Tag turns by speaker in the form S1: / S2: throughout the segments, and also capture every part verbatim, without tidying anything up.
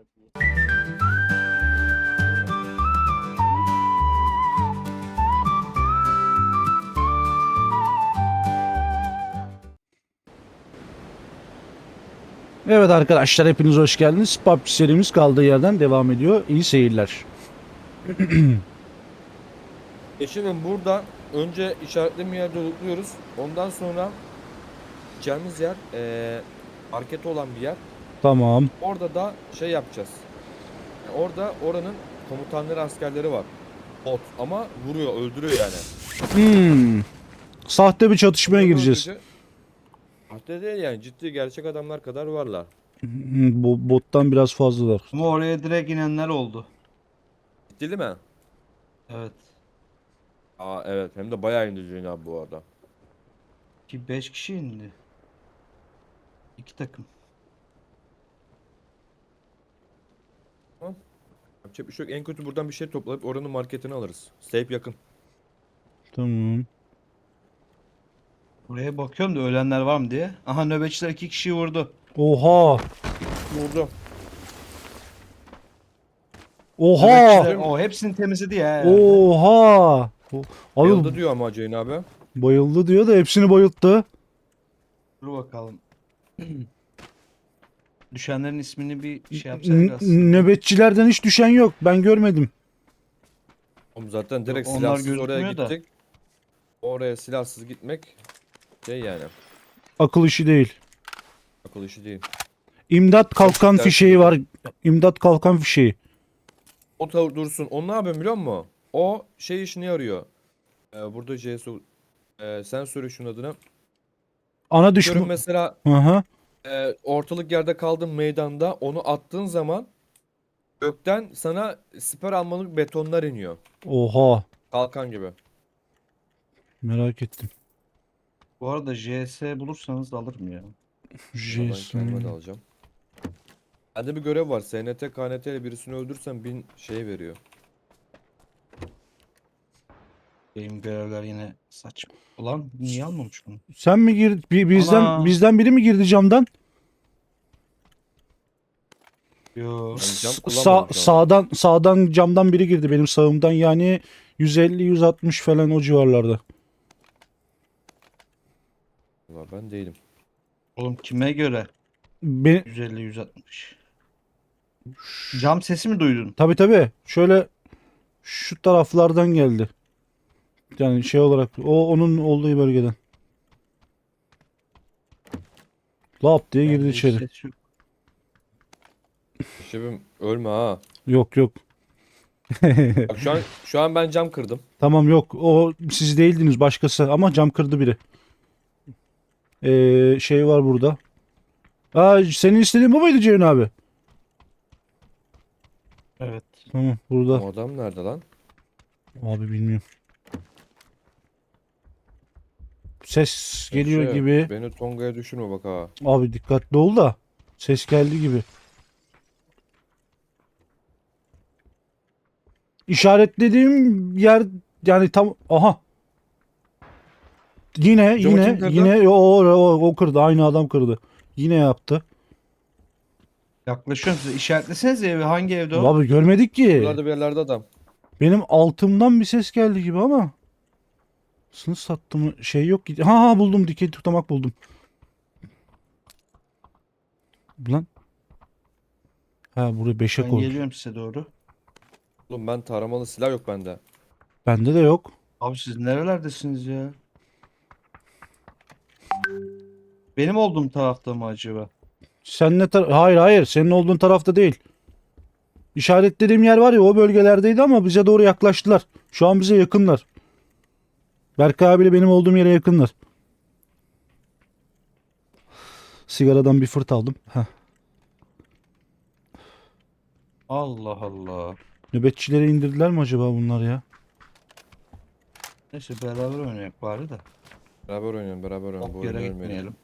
S1: Evet arkadaşlar, hepiniz hoş geldiniz. P U B G serimiz kaldığı yerden devam ediyor. İyi seyirler.
S2: E şimdi burada önce işaretleme yerde lootluyoruz. Ondan sonra gideceğimiz yer eee marketi olan bir yer.
S1: Tamam.
S2: Orada da şey yapacağız. Yani orada oranın komutanları, askerleri var. Bot ama vuruyor, öldürüyor yani.
S1: Hmm. Sahte bir çatışmaya
S2: Vuruyor,
S1: gireceğiz.
S2: öldürücü. Hatta değil yani, ciddi gerçek adamlar kadar varlar.
S1: Hmm, Bu bottan biraz fazlalar.
S3: Ama oraya direkt inenler oldu.
S2: Ciddi değil mi?
S3: Evet.
S2: Aa evet, hem de bayağı indirici abi bu arada.
S3: Ki beş kişi indi. İki takım.
S2: Yapacak bir şey yok. En kötü buradan bir şey toplayıp oranın marketini alırız. Safe yakın.
S1: Tamam.
S3: Buraya bakıyorum da ölenler var mı diye. Aha, nöbetçiler iki kişiyi vurdu.
S1: Oha.
S2: Vurdu.
S1: Oha.
S3: Nöbetçiler o hepsini temizledi ya herhalde.
S1: Oha. O-
S2: Bayıldı
S1: Abi
S2: diyor ama Hüseyin abi.
S1: bayıldı diyor da hepsini bayılttı.
S3: Dur bakalım. Düşenlerin ismini bir şey
S1: N-
S3: yapsaydık aslında.
S1: nöbetçilerden hiç düşen yok. Ben görmedim.
S2: Oğlum zaten direkt
S3: onlar
S2: silahsız oraya
S3: gözükmüyor da.
S2: gittik. Oraya silahsız gitmek şey yani,
S1: Akıl işi değil.
S2: akıl işi değil.
S1: İmdat kalkan
S2: güzel
S1: fişeği
S2: şey.
S1: var. İmdat kalkan fişeği.
S2: O tavır dursun. O ne yapıyor biliyor musun? O şey işini yarıyor. Ee, burada C S e, sen söyle şunun adını.
S1: Ana
S2: Diyorum
S1: düşman.
S2: mesela
S1: Aha.
S2: e, ortalık yerde kaldın meydanda, onu attığın zaman gökten sana siper almalık betonlar iniyor.
S1: Oha.
S2: Kalkan gibi.
S1: Merak ettim.
S3: Bu arada J S bulursanız alırım ya.
S2: Ama ben kendime de
S1: Jason.
S2: alacağım. Bende bir görev var. S N T, K N T ile birisini öldürsen bin şey veriyor.
S3: Benim görevler yine saçma. Ulan niye almamış bunu?
S1: Sen mi gir bi- bizden
S3: Ana.
S1: bizden biri mi girdi camdan?
S3: Yo.
S2: Ben cam
S1: S-
S2: kullanmadım
S1: Sağ,
S2: şu anda.
S1: sağdan sağdan camdan biri girdi benim sağımdan, yani yüz elli yüz altmış falan o civarlarda.
S2: Vallahi ben değilim.
S3: Oğlum kime göre?
S1: Be
S3: yüz elli yüz altmış. Cam sesi mi duydun?
S1: tabii tabii. Şöyle şu taraflardan geldi. Yani şey olarak o onun olduğu bölgeden. Lap diye girdi
S3: Bende hiç
S1: içeri.
S3: ses yok.
S2: Şefim ölme ha.
S1: Yok yok.
S2: Bak şu an şu an ben cam kırdım.
S1: Tamam, yok. O siz değildiniz, başkası, ama cam kırdı biri. Ee, şey var burada. Aa, senin istediğin bu muydu Ceyhun abi?
S3: Evet.
S1: Tamam, burada.
S2: O adam nerede lan?
S1: Abi bilmiyorum. Ses geliyor
S2: Şey,
S1: gibi.
S2: Beni Tonga'ya düşürme bak ha.
S1: Abi dikkatli ol da. Ses geldi gibi. İşaretlediğim yer yani tam, aha. Yine
S2: Camı kim
S1: yine
S2: kırdı?
S1: yine o, o, o, o kırdı. Aynı adam kırdı. Yine yaptı.
S3: Yaklaşıyorum size. İşaretlesenize evi. Hangi evde o?
S1: Abi görmedik ki.
S2: Buralarda bir yerlerde adam.
S1: Benim altımdan bir ses geldi gibi ama. Sınıf sattı mı? Şey yok ki. Ha ha, buldum. Dikey tutamak buldum. Lan. Ha, buraya beşe
S3: Ben
S1: koy.
S3: geliyorum size doğru.
S2: Oğlum ben taramalı silah yok bende.
S1: Bende de yok.
S3: Abi siz nerelerdesiniz ya? Benim olduğum tarafta mı acaba?
S1: Sen ne tar- Hayır hayır, senin olduğun tarafta değil. İşaretlediğim yer var ya, o bölgelerdeydi ama bize doğru yaklaştılar. Şu an bize yakınlar. Berkay abiyle benim olduğum yere yakınlar. Sigaradan bir fırt aldım. Heh.
S3: Allah Allah.
S1: Nöbetçileri indirdiler mi acaba bunlar ya?
S3: Neyse beraber oynayak bari de.
S2: Beraber oynayalım, beraber oynayalım. Bu
S3: Çok
S2: oyunu
S3: yere
S2: ölmeyelim.
S3: gitmeyelim.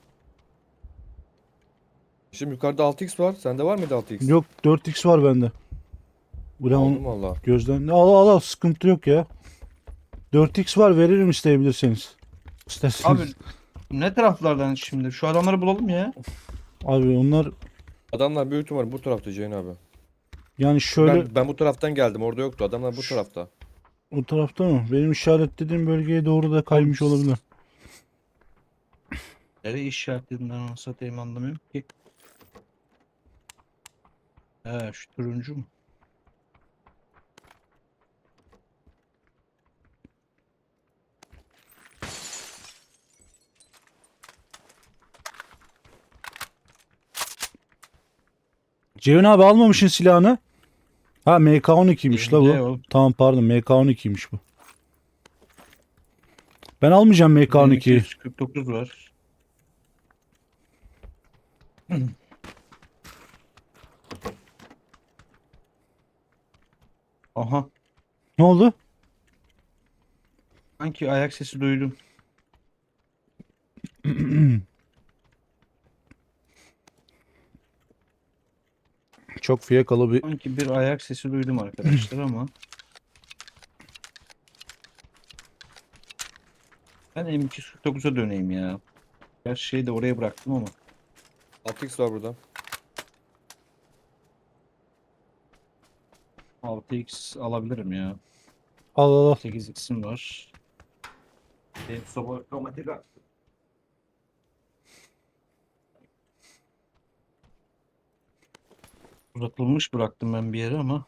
S2: Şimdi yukarıda altı x var. Sende var mıydı altı x?
S1: Yok, dört x var bende. Ulan
S2: Aldım valla.
S1: gözden. Al al al, sıkıntı yok ya. dört x var, veririm isteyebilirseniz. İsterseniz.
S3: Abi ne taraflardan şimdi? Şu adamları bulalım ya.
S1: Abi onlar
S2: Adamlar büyük ihtimalle bu tarafta Ceyhun abi.
S1: Yani şöyle
S2: Ben, ben bu taraftan geldim. Orada yoktu. Adamlar bu tarafta.
S1: o tarafta mı? Benim işaretlediğim bölgeye doğru da kaymış
S3: Oğlum,
S1: olabilir.
S3: Nereye işaretledin ben onu satayım anlamıyorum ki. He şu turuncu mu?
S1: Ceyhun abi almamışsın silahını. Ha M K on ikiymiş la
S3: Elimde
S1: bu.
S3: oğlum.
S1: Tamam pardon M K on ikiymiş bu. Ben almayacağım M K on
S3: Benim
S1: ikiyi.
S3: iki yüz kırk dokuz var. Aha.
S1: Ne oldu?
S3: Sanki ayak sesi duydum.
S1: Çok fiyakalı bir
S3: Sanki bir ayak sesi duydum arkadaşlar ama. Ben M iki yüz kırk dokuza döneyim ya. Gerçi şeyi de oraya bıraktım ama.
S2: altı x var burada.
S3: altı x alabilirim ya.
S1: al al al.
S3: sekiz x'im var. Benim soba otomatik uzatılmış bıraktım ben bir yere ama.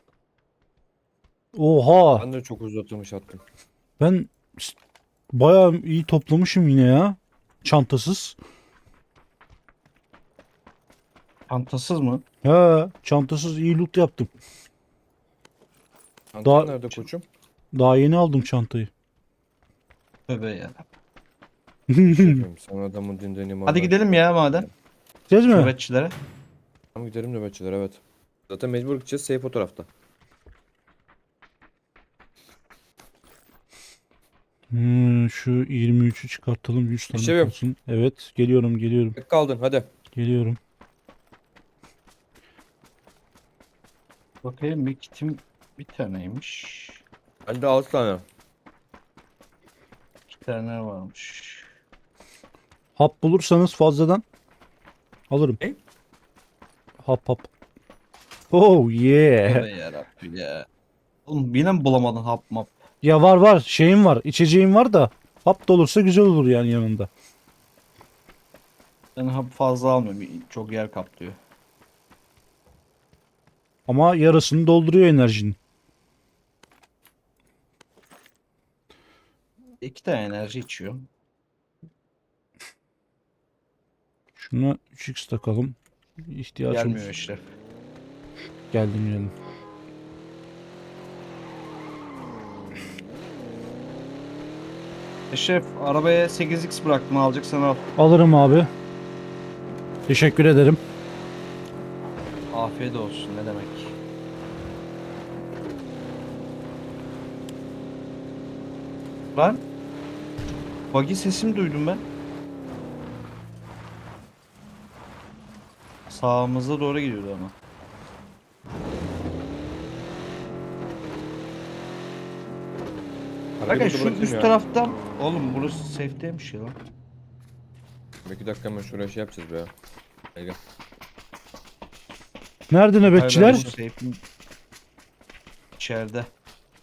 S1: Oha.
S2: Ben de çok uzatılmış attım.
S1: Ben s- bayağı iyi toplamışım yine ya. Çantasız.
S3: Çantasız mı?
S1: He, çantasız iyi loot yaptım.
S2: Çantan
S1: Daha
S2: nerede koçum?
S1: daha yeni aldım çantayı.
S3: Tövbe ya.
S2: Şefim sen adamın dinden imandan.
S3: Hadi gidelim ya madem.
S1: Gideceğiz mi?
S3: Nöbetçilere.
S2: Tamam gidelim nöbetçiler evet. Zaten mecbur gideceğiz. Safe o tarafta.
S1: Hmm, şu yirmi üçü çıkartalım yüz tane
S2: Şefim.
S1: kalsın. Evet geliyorum geliyorum
S2: Tek kaldın hadi.
S1: geliyorum.
S3: Bakayım bir kitim bir taneymiş.
S2: Bende altı tane.
S3: İki tane varmış.
S1: Hap bulursanız fazladan alırım.
S2: Ne?
S1: Hap hap. Oh yeah.
S3: Tövbe yarabbim ya. Oğlum yine mi bulamadın hap map?
S1: Ya var var şeyim var içeceğim var da hap da olursa güzel olur yani yanında.
S3: Ben hap fazla almıyorum. Çok yer kaplıyor.
S1: Ama yarısını dolduruyor enerjinin.
S3: İki tane enerji içiyorum.
S1: Şuna üç x takalım. İhtiyaç
S3: Gelmiyor
S1: olur.
S3: işte.
S1: Geldim geldim.
S3: Şef arabaya sekiz x bıraktım alacaksan al.
S1: Alırım abi. Teşekkür ederim.
S3: Afiyet olsun ne demek. Lan. Buggy sesimi duydum ben. Sağımıza doğru gidiyordu ama.
S2: Arabayı
S3: Bakın
S2: burada
S3: şu
S2: bırakayım
S3: üst
S2: ya.
S3: taraftan. Oğlum burası safe'deymiş ya lan.
S2: Bir dakika hemen şuraya şey yapacağız be ya. Gel gel.
S1: Nerede
S3: Hayır,
S1: nöbetçiler?
S3: ben bu safe'in içeride.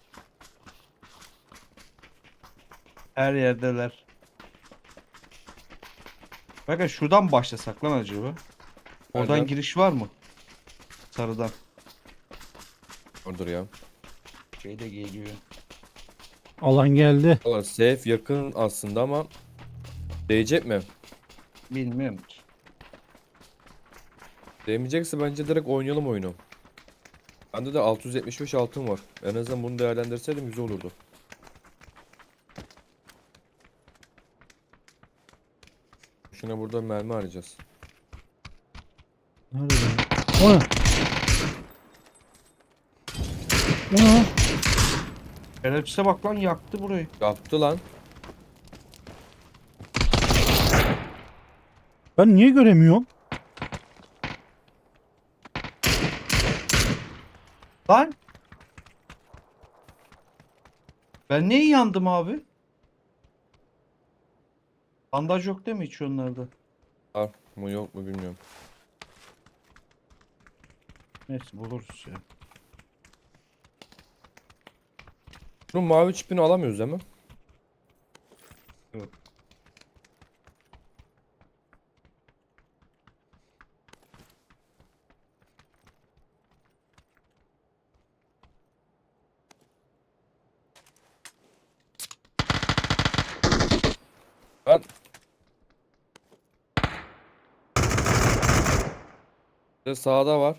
S3: Her yerdeler. Bakın şuradan başlasak lan acaba? Oradan
S2: Nereden?
S3: giriş var mı? Sarıdan.
S2: Ordur ya.
S3: Şey de geliyor.
S1: Alan geldi.
S2: Valla safe yakın aslında ama değecek mi?
S3: Bilmiyorum ki.
S2: Değmeyecekse bence direkt oynayalım oyunu. Bende de altı yüz yetmiş beş altın var. En azından bunu değerlendirseydim güzel olurdu. Şuna burada mermi arayacağız.
S1: Nerede? O ne? O ne?
S3: Şerefsize bak lan yaktı burayı.
S2: Yaptı lan.
S1: Ben niye göremiyorum?
S3: Lan. Ben niye yandım abi? Bandaj yok değil mi hiç onlarda?
S2: Var mı yok mu bilmiyorum.
S3: Neyse buluruz ya.
S2: Bunun mavi çipini alamıyoruz değil mi?
S3: Yok.
S2: Ben de sağda var.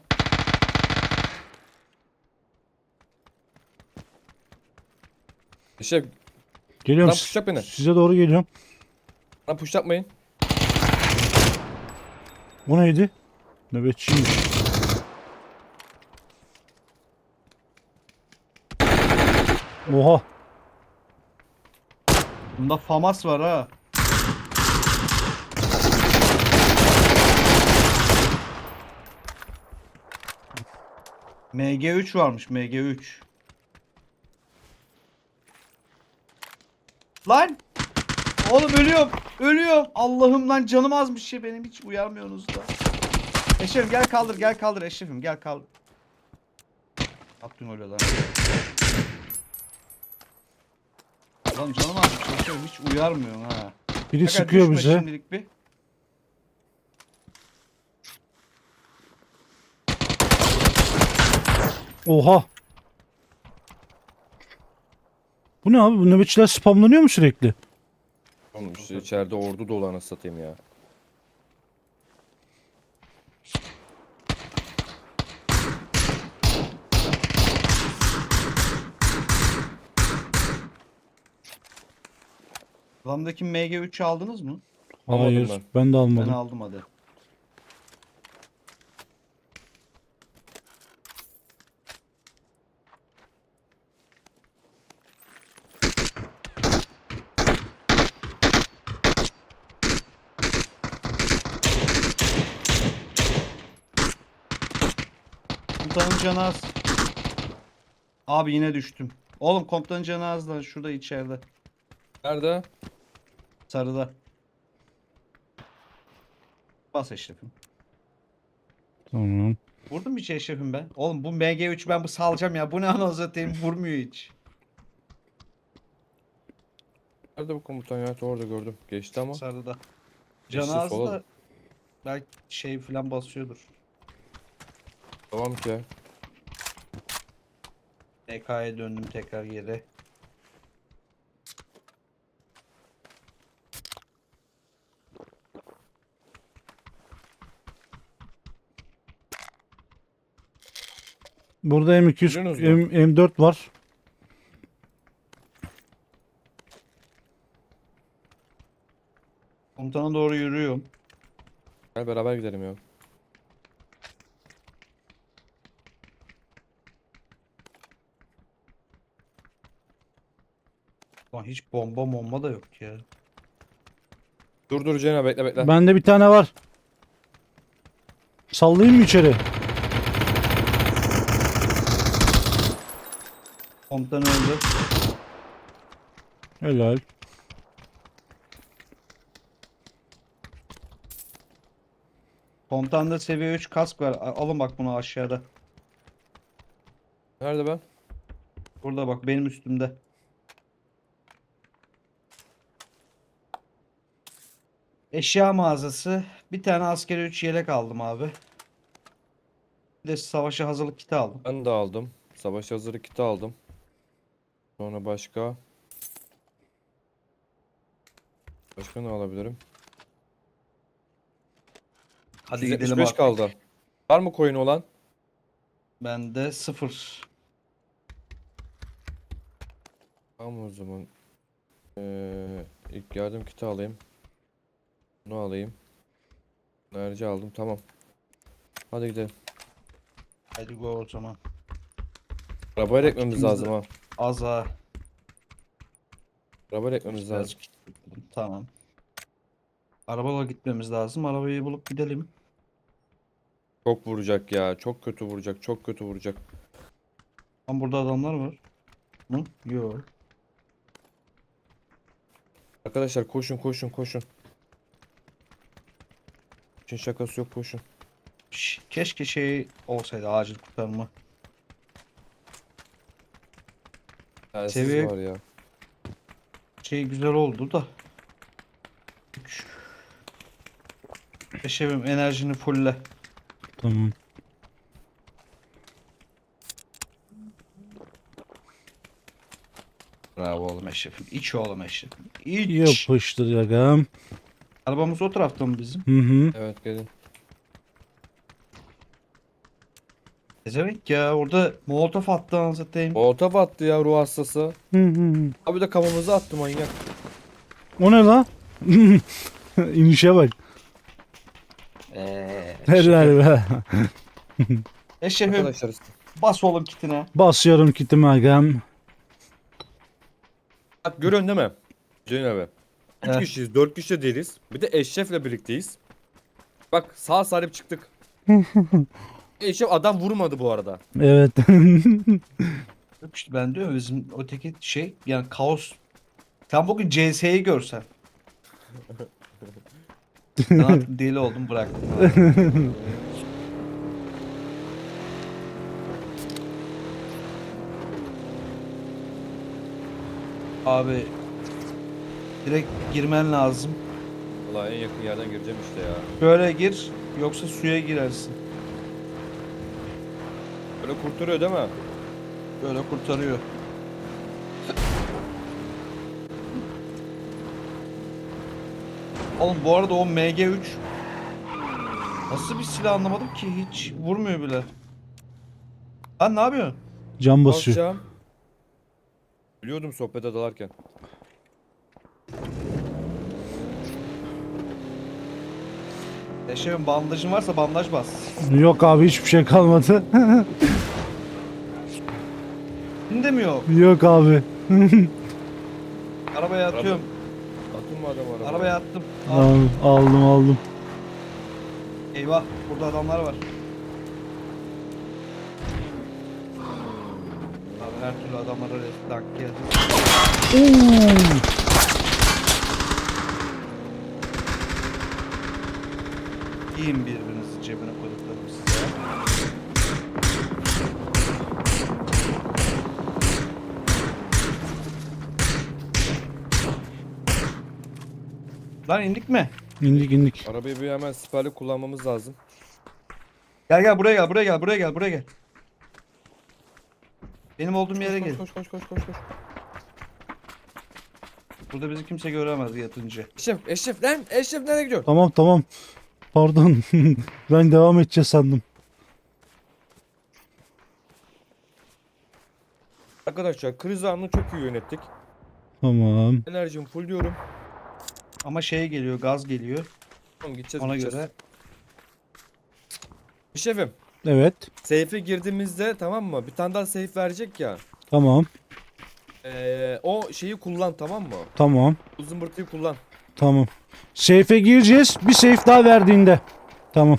S2: İşte
S1: Geliyorum.
S2: Lan push yap beni.
S1: Size doğru geliyorum.
S2: lan push yapmayın.
S1: Bu neydi? Nöbetçiymiş. Oha.
S3: Bunda FAMAS var ha. M G üç varmış, M G üç. Lan! Oğlum ölüyorum. Ölüyorum. Allah'ım lan canım azmış ya benim, hiç uyarmıyorsunuz da. Eşrefim gel kaldır, gel kaldır Eşrefim, gel kaldır. Yaptın öyle lan. Lan canım azmış Eşrefim, hiç uyarmıyorsun ha.
S1: Biri
S3: Aga,
S1: sıkıyor
S3: düşme
S1: bize.
S3: şimdilik bir.
S1: Oha. Bu ne abi? Bu nöbetçiler spamlanıyor mu sürekli?
S2: Oğlum işte içeride ordu dolu anasını satayım ya.
S3: Adamdaki M G üçü aldınız mı?
S2: Almadım
S1: Hayır.
S2: ben.
S1: Ben de
S3: Ben
S1: almadım.
S3: aldım hadi. Komutanın canı az. Abi yine düştüm. Oğlum komutanın canı az da şurada içeride.
S2: Nerede?
S3: Sarıda. Bas Eşref'im.
S1: Tamam.
S3: Vurdum hiç Eşref'im ben. Oğlum bu M G üç ben bu salacağım ya. Bu ne anasını satayım, vurmuyor hiç.
S2: Nerede bu komutan ya? Orada gördüm. Geçti ama.
S3: Sarıda.
S2: Geçti,
S3: Canı az
S2: sola.
S3: da belki şey falan basıyordur.
S2: Tamam ki.
S3: T K'ya döndüm tekrar geri.
S1: Burada M iki yüz,
S2: Biliyorsunuz mu?
S1: M, M dört var.
S3: Komutana doğru yürüyorum.
S2: Gel beraber gidelim ya.
S3: Lan hiç bomba bomba da yok ya.
S2: Dur dur Cena bekle bekle.
S1: Bende bir tane var. Sallayayım mı içeri?
S3: Komutan öldü.
S1: Helal.
S3: Komutanda seviye üç kask var. A- Alın bak bunu aşağıda.
S2: Nerede ben?
S3: Burada bak benim üstümde. Eşya mağazası. Bir tane askeri üç yelek aldım abi. Bir de savaşa hazırlık kiti aldım.
S2: Ben de aldım. Savaş hazırı kiti aldım. Sonra başka. Başka ne alabilirim?
S3: Hadi
S2: yüz yetmiş
S3: gidelim
S2: beş
S3: artık.
S2: kaldı. Var mı coin olan?
S3: Bende sıfır.
S2: Tamam o zaman. Ee, ilk yardım kiti alayım. Bunu alayım. Enerji aldım tamam. Hadi gidelim.
S3: Hadi go o zaman.
S2: Arabayla ekmemiz
S3: Kitimiz
S2: lazım
S3: de-
S2: ha.
S3: Az ha.
S2: Arabayla ekmemiz lazım.
S3: Tamam. Arabayla gitmemiz lazım. Arabayı bulup gidelim.
S2: Çok vuracak ya. Çok kötü vuracak. Çok kötü vuracak.
S3: Ama burada adamlar var. Mı? Yok.
S2: Arkadaşlar koşun koşun koşun. İşin şakası yok koşun.
S3: Şş, keşke şey olsaydı, acil kurtarma.
S2: Telsiz
S3: Seviye-
S2: var ya.
S3: Şey güzel oldu da. Üç. Eşevim enerjini fulle.
S1: Tamam.
S3: Bravo oğlum Eşref'im. İç oğlum Eşref'im. İç.
S1: Yapıştır yagam.
S3: Arabamız o tarafta mı bizim?
S1: Hı hı.
S2: Evet gelin.
S3: Ezemek ya orada molotof attı anlatayım.
S2: Olta battı ya ruh hastası.
S1: Hı hı.
S2: Abi de kafamıza attı manyak.
S1: O ne la? İnişe bak.
S3: Eee.
S1: Helal be.
S3: Eşref'im
S2: Arkadaşlar
S3: bas oğlum kitine.
S1: Basıyorum kitimi agam.
S2: bak görüyorsun değil mi? Ceyhun abi. Üç
S3: Evet.
S2: kişiyiz, dört kişi de değiliz. Bir de Eşref'le birlikteyiz. Bak sağ salim çıktık. Eşref adam vurmadı bu arada.
S1: Evet.
S3: Yok işte ben diyorum bizim öteki şey yani kaos. Sen bugün C S'yi görsen. Ben artık deli oldum bıraktım. Abi direkt girmen lazım.
S2: Valla en yakın yerden gireceğim işte ya.
S3: Şöyle gir yoksa suya girersin.
S2: Böyle kurtarıyor değil mi?
S3: Böyle kurtarıyor. Oğlum bu arada o M G üç nasıl bir silah anlamadım ki hiç vurmuyor bile. Lan ne yapıyorsun?
S1: Can basıyor.
S2: Basacağım. Biliyordum sohbete dalarken.
S3: Eşeğin bandajın varsa bandaj bas.
S1: Yok abi hiçbir şey kalmadı.
S3: Şimdi mi yok?
S1: Yok abi.
S3: Arabaya atıyorum.
S2: Atın mı adam arabaya?
S3: Arabaya attım. Al.
S1: Al- aldım aldım.
S3: Eyvah burada adamlar var. Abi her türlü adamlara tank geldi. Yiyin birbirinizi cebine koyduklarım size. Lan indik mi?
S1: İndik indik.
S2: Arabayı bir hemen siperli kullanmamız lazım.
S3: Gel gel buraya gel buraya gel buraya gel buraya gel. Benim olduğum yere
S2: Koş
S3: gel.
S2: koş koş koş koş koş.
S3: Burada bizi kimse göremez yatınca.
S2: Eşref, Eşref lan Eşref nereye gidiyor?
S1: Tamam tamam. Pardon. Ben devam edeceğiz sandım.
S2: Arkadaşlar kriz anını çok iyi yönettik.
S1: Tamam.
S2: Enerjimi full diyorum.
S3: Ama şey geliyor gaz geliyor.
S2: Tamam gideceğiz
S3: Ona
S2: gideceğiz.
S3: göre
S2: Şefim,
S1: Evet.
S2: safe'e girdiğimizde tamam mı? Bir tane daha safe verecek ya.
S1: Tamam.
S2: Ee, o şeyi kullan tamam mı?
S1: Tamam.
S2: Uzun bırtıyı kullan.
S1: Tamam. Safe'e gireceğiz. Bir safe daha verdiğinde. Tamam.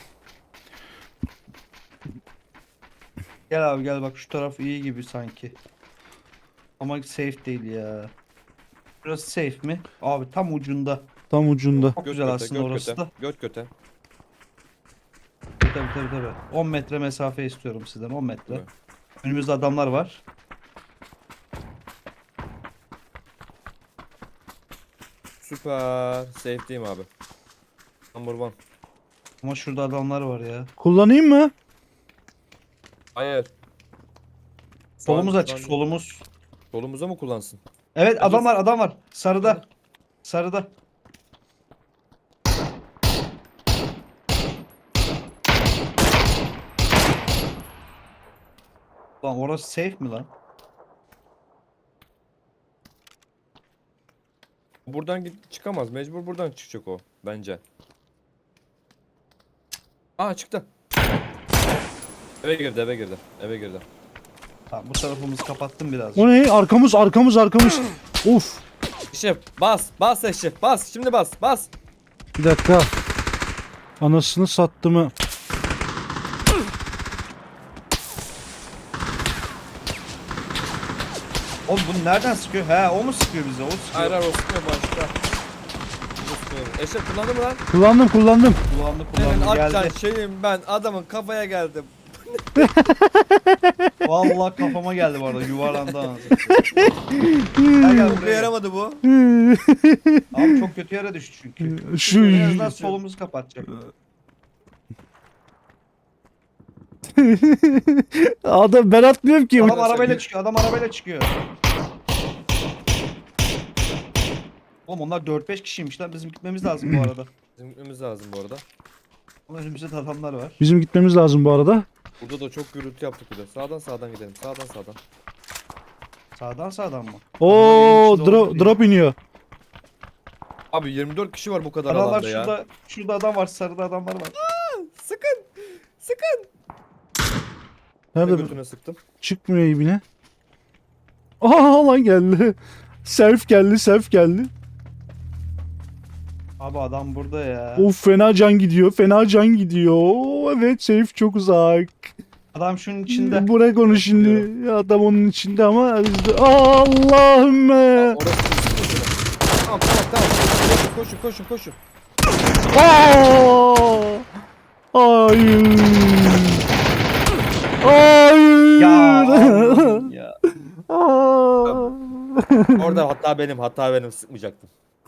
S3: gel abi gel bak şu taraf iyi gibi sanki. Ama safe değil ya. Burası safe mi? Abi tam ucunda.
S1: Tam ucunda.
S3: Çok
S2: Göt
S3: güzel
S2: göte,
S3: aslında
S2: göt
S3: orası
S2: göte,
S3: da.
S2: Göt göte.
S3: Tabii tabii tabii. on metre mesafe istiyorum sizden on metre.
S2: Evet.
S3: Önümüzde adamlar var.
S2: Süper. Safe'deyim abi. Number one.
S3: Ama şurada adamlar var ya.
S1: Kullanayım mı?
S2: Hayır.
S3: Solumuz
S2: Şu an-
S3: açık
S2: şu an-
S3: solumuz.
S2: Solumuza mı kullansın?
S3: Evet
S2: Hadi.
S3: adam var adam var. Sarıda. Sarıda. Lan orası safe mi lan?
S2: Buradan git çıkamaz. Mecbur buradan çıkacak o bence. Aa çıktı. Eve girdi, eve girdi. Eve girdi.
S3: Tamam bu tarafımızı kapattım biraz.
S1: O ne? Arkamız arkamız arkamız. Of.
S2: Eşref bas, bas Eşref bas. Şimdi bas, bas.
S1: Bir dakika. Anasını sattı mı?
S3: Oğlum bunu nereden sıkıyor? He o mu sıkıyor bize? O sıkıyor.
S2: Hayır hayır o sıkıyor başta. O sıkıyor. Eşref kullandı mı lan?
S1: Kullandım kullandım.
S3: Kullandı
S2: Senin
S3: kullandı geldi.
S2: atacaksın şeyim ben adamın kafaya geldim. Eşref. Eşref. Eşref. Eşref. Eşref. Eşref. Eşref. Eşref. Eşref. Eşref. Eşref. Eşref.
S3: Kullandı kullandı
S2: Senin
S3: geldi.
S2: atacaksın şeyim ben adamın kafaya geldim.
S3: Vallahi kafama geldi bu arada yuvarlandı anasını. Gel gel
S2: Çok
S3: buraya.
S2: yaramadı bu.
S3: Abi çok kötü yere düştü çünkü.
S1: Şu
S3: En azından solumuzu kapatacak.
S1: adam ben atmıyorum ki.
S3: Adam arabayla çıkıyor. Adam arabayla çıkıyor. Oğlum onlar dört beş kişiymiş lan. Bizim gitmemiz lazım bu arada.
S2: Bizim gitmemiz lazım bu arada.
S3: Ama önümüzde de adamlar var.
S1: Bizim gitmemiz lazım bu arada.
S2: Burada da çok gürültü yaptık bir de. Sağdan sağdan gidelim. Sağdan sağdan.
S3: Sağdan sağdan mı?
S1: Oo
S3: Adamlar evin içinde
S1: drop,
S3: olduğu
S1: drop iniyor.
S2: Abi yirmi dört kişi var bu kadar
S3: Adamlar
S2: alanda ya.
S3: şurada, şurada adam var. Sarıda adamlar var.
S2: Sıkın. Sıkın.
S1: Nerede
S2: Nerede
S1: bu?
S2: götüne sıktım.
S1: Çıkmıyor ibine. Aa lan geldi. Self geldi, self geldi.
S3: Abi adam burada ya.
S1: Of fena can gidiyor, fena can gidiyor. Evet safe çok uzak.
S3: Adam şunun içinde.
S1: Bırak onu şimdi. Adam onun içinde ama biz de- Allah'ım.
S2: Orası sıkın götüne. Tamam tamam tamam. Koşun koşun koşun koşun.
S1: Aa! Hayır. Hayır.
S3: Ya Allah'ım ya.
S1: Aa!
S2: Orada hatta benim hatta benim sıkmayacaktım.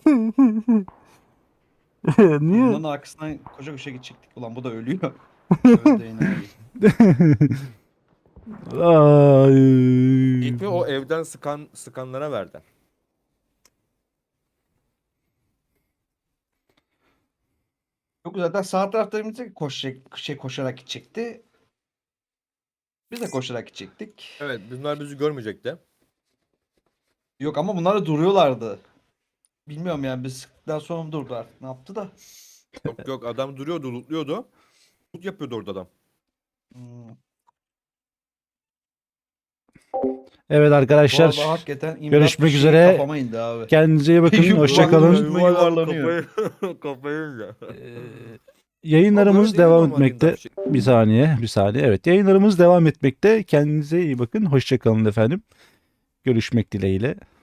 S1: Niye?
S3: Bunların arkasından koca koşa gidecektik. Ulan bu da ölüyor. Öldü enayi.
S1: Ay.
S2: İpi o evden sıkan sıkanlara verdi.
S3: Yok zaten sağ tarafta koşacak, şey koşarak gidecekti. Biz de koşarak gidecektik.
S2: Evet bunlar bizi görmeyecekti.
S3: Yok ama bunlar da duruyorlardı. Bilmiyorum yani biz sıktıktan sonra mı durdu artık ne yaptı da.
S2: Yok yok adam duruyordu lootluyordu. Loot yapıyordu orada adam.
S3: Hmm.
S1: Evet
S3: Bu
S1: arkadaşlar.
S3: arada hakikaten imdat
S1: görüşmek
S3: fişeği
S1: üzere.
S3: Kafama indi abi.
S1: Kendinize iyi bakın.
S3: Yuvarlanıyor.
S1: Hoşçakalın.
S3: Yuvarlanıyor.
S2: Kafayı, kafayı ya.
S1: Yayınlarımız
S2: Ama böyle
S1: devam
S2: değil normal
S1: etmekte.
S2: imdat fişeği.
S1: Bir saniye, bir saniye. Evet, yayınlarımız devam etmekte. Kendinize iyi bakın. Hoşçakalın efendim. Görüşmek dileğiyle.